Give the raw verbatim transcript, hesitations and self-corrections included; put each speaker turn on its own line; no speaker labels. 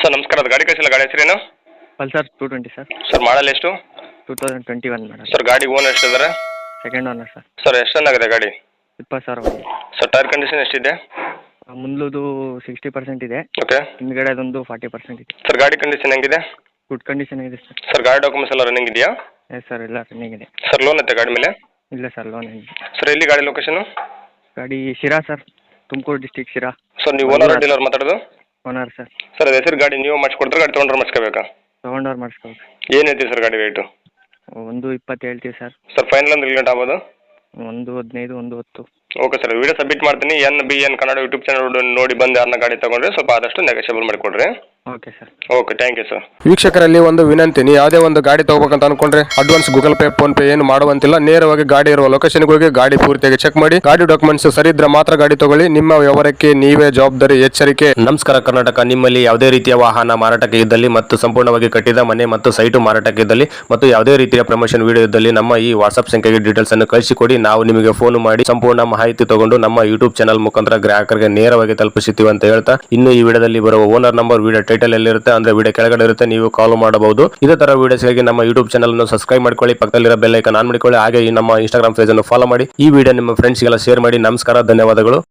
Sir ನಮಸ್ಕಾರ, ಅದು ಗಾಡಿ ಕಳಿಸಿಲ್ಲ, ಗಾಡಿ ಹೆಸರೇನು?
Pulsar two twenty sir.
Sir model ಎಷ್ಟು?
Two thousand twenty one madam.
Sir ಗಾಡಿ ಓನರ್ ಎಷ್ಟಿದ್ದಾರೆ?
Second owner sir.
ಸರ್ ಎಷ್ಟು ಚೆನ್ನಾಗಿದೆ ಗಾಡಿ?
ಇಪ್ಪತ್ತು ಸಾವಿರ ಹೋಗಿದೆ.
ಸರ್ ಟೈರ್ ಕಂಡೀಷನ್ ಎಷ್ಟಿದೆ?
ಮುಂದದು ಸಿಕ್ಸ್ಟಿ ಪರ್ಸೆಂಟ್ ಇದೆ,
ಓಕೆ.
ಹಿಂದ್ಗಡೆ ಅದೊಂದು ಫಾರ್ಟಿ ಪರ್ಸೆಂಟ್ ಇದೆ.
ಸರ್ ಗಾಡಿ ಕಂಡೀಷನ್ ಹೆಂಗಿದೆ?
ಗುಡ್ ಕಂಡೀಷನ್ ಇದೆ ಸರ್.
ಸರ್ ಗಾಡಿ ಡಾಕ್ಯುಮೆಂಟ್ಸ್ ಎಲ್ಲ ರನ್ನಿಂಗ್ ಇದೆಯಾ?
ಎಸ್ ಸರ್, ಎಲ್ಲ ರನ್ನಿಂಗ್ ಇದೆ.
ಸರ್ ಲೋನ್ ಐತೆ ಗಾಡಿ ಮೇಲೆ?
ಇಲ್ಲ ಸರ್, ಲೋನ್ ಏನಿದೆ.
ಸರ್ ಎಲ್ಲಿ ಗಾಡಿ ಲೊಕೇಶನು?
ಗಾಡಿ Sira sir, Tumakuru district Sira.
Sir ನೀವು ಓನರ್ ಡೀಲರ್ ಮಾತಾಡೋದು?
Owner sir.
ಸರ್ ಅದು ಹೆಸರು ಗಾಡಿ ನೀವು ಮಾಡಿಸ್ಕೊಡ್ತಾರೆ, ಗಾಡಿ ತೊಗೊಂಡ್ರೆ ಮಾಡಿಸ್ಕೋಬೇಕಾ?
ತೊಗೊಂಡವ್ರು ಮಾಡಿಸ್ಕೋಬೇಕು.
ಏನು ಹೇಳ್ತೀವಿ ಸರ್ ಗಾಡಿ ರೇಟು?
ಒಂದು ಇಪ್ಪತ್ತು ಹೇಳ್ತೀವಿ ಸರ್.
ಸರ್ ಫೈನಲ್ ಅಂದ್ರೆ ಗಂಟೆ ಆಗ್ಬೋದು?
ಒಂದು ಹದಿನೈದು, ಒಂದು ಹತ್ತು.
ಓಕೆ ಸರ್, ವಿಡಿಯೋ ಸಬ್ಮಿಟ್ ಮಾಡ್ತೀನಿ. N B N Kannada YouTube channel ನೋಡಿ ಬಂದು ಯಾರನ್ನ ಗಾಡಿ ತಗೊಂಡ್ರೆ ಸ್ವಲ್ಪ ಆದಷ್ಟು ನೆಗೋಷಿಯಬಲ್ ಮಾಡಿಕೊಡ್ರಿ.
Okay sir.
Okay, thank you sir.
ವೀಕ್ಷಕರಲ್ಲಿ ಒಂದು ವಿನಂತಿ, ನೀವು ಯಾವುದೇ ಒಂದು ಗಾಡಿ ತಗೋಬೇಕಂತ ಅನ್ಕೊಂಡ್ರೆ advance Google pay PhonePe ಏನು ಮಾಡುವಂತಿಲ್ಲ. ನೇರವಾಗಿ ಗಾಡಿ ಇರುವ ಲೊಕೇಶನ್ಗೆ ಹೋಗಿ ಗಾಡಿ ಪೂರ್ತಿಯಾಗಿ ಚೆಕ್ ಮಾಡಿ, ಗಾಡಿ ಡಾಕ್ಯುಮೆಂಟ್ಸ್ ಸರಿ ಇದ್ರೆ ಮಾತ್ರ ಗಾಡಿ ತಗೊಳ್ಳಿ. ನಿಮ್ಮ ವ್ಯವಹಾರಕ್ಕೆ ನೀವೇ ಜವಾಬ್ದಾರಿ. ಎಚ್ಚರಿಕೆ. ನಮಸ್ಕಾರ ಕರ್ನಾಟಕ. ನಿಮ್ಮಲ್ಲಿ ಯಾವುದೇ ರೀತಿಯ ವಾಹನ ಮಾರಾಟಕ್ಕೆ ಇದ್ದಲ್ಲಿ ಮತ್ತು ಸಂಪೂರ್ಣವಾಗಿ ಕಟ್ಟಿದ ಮನೆ ಮತ್ತು ಸೈಟು ಮಾರಾಟಕ್ಕೆ ಇದ್ದಲ್ಲಿ ಮತ್ತು ಯಾವುದೇ ರೀತಿಯ ಪ್ರಮೋಷನ್ ವಿಡಿಯೋ ಇದ್ದಲ್ಲಿ ನಮ್ಮ ಈ ವಾಟ್ಸ್ಆಪ್ ಸಂಖ್ಯೆಗೆ ಡೀಟೇಲ್ಸ್ ಅನ್ನು ಕಳಿಸಿಕೊಡಿ. ನಾವು ನಿಮಗೆ ಫೋನ್ ಮಾಡಿ ಸಂಪೂರ್ಣ ಮಾಹಿತಿ ತಗೊಂಡು ನಮ್ಮ ಯೂಟ್ಯೂಬ್ ಚಾನಲ್ ಮುಖಾಂತರ ಗ್ರಾಹಕರಿಗೆ ನೇರವಾಗಿ ತಲುಪಿಸುತ್ತೀವಿ ಅಂತ ಹೇಳ್ತಾ, ಇನ್ನು ಈ ವಿಡಿಯೋದಲ್ಲಿ ಬರುವ ಓನರ್ ನಂಬರ್ ವಿಡಿಯೋ ಟೈಟಲ್ ಎಲ್ಲಿರುತ್ತೆ ಅಂದ್ರೆ ವಿಡಿಯೋ ಕೆಳಗಡೆ ಇರುತ್ತೆ, ನೀವು ಕಾಲ್ ಮಾಡಬಹುದು. ಇದೇ ತರ ವಿಡಿಯೋಸ್ಗಾಗಿ ನಮ್ಮ ಯೂಟ್ಯೂಬ್ ಚಾನಲ್ ಅನ್ನು ಸಬ್ಸ್ಕ್ರೈಬ್ ಮಾಡ್ಕೊಳ್ಳಿ, ಪಕ್ಕದಲ್ಲಿರೋ ಬೆಲ್ ಐಕಾನ್ ಆನ್ ಮಾಡಿಕೊಳ್ಳಿ. ಹಾಗೆ ಈ ನಮ್ಮ ಇನ್ಸ್ಟಾಗ್ರಾಮ್ ಪೇಜ್ ಅನ್ನು ಫಾಲೋ ಮಾಡಿ. ಈ ವಿಡಿಯೋ ನಿಮ್ಮ ಫ್ರೆಂಡ್ಸ್ಗೆಲ್ಲ ಶೇರ್ ಮಾಡಿ. ನಮಸ್ಕಾರ, ಧನ್ಯವಾದಗಳು.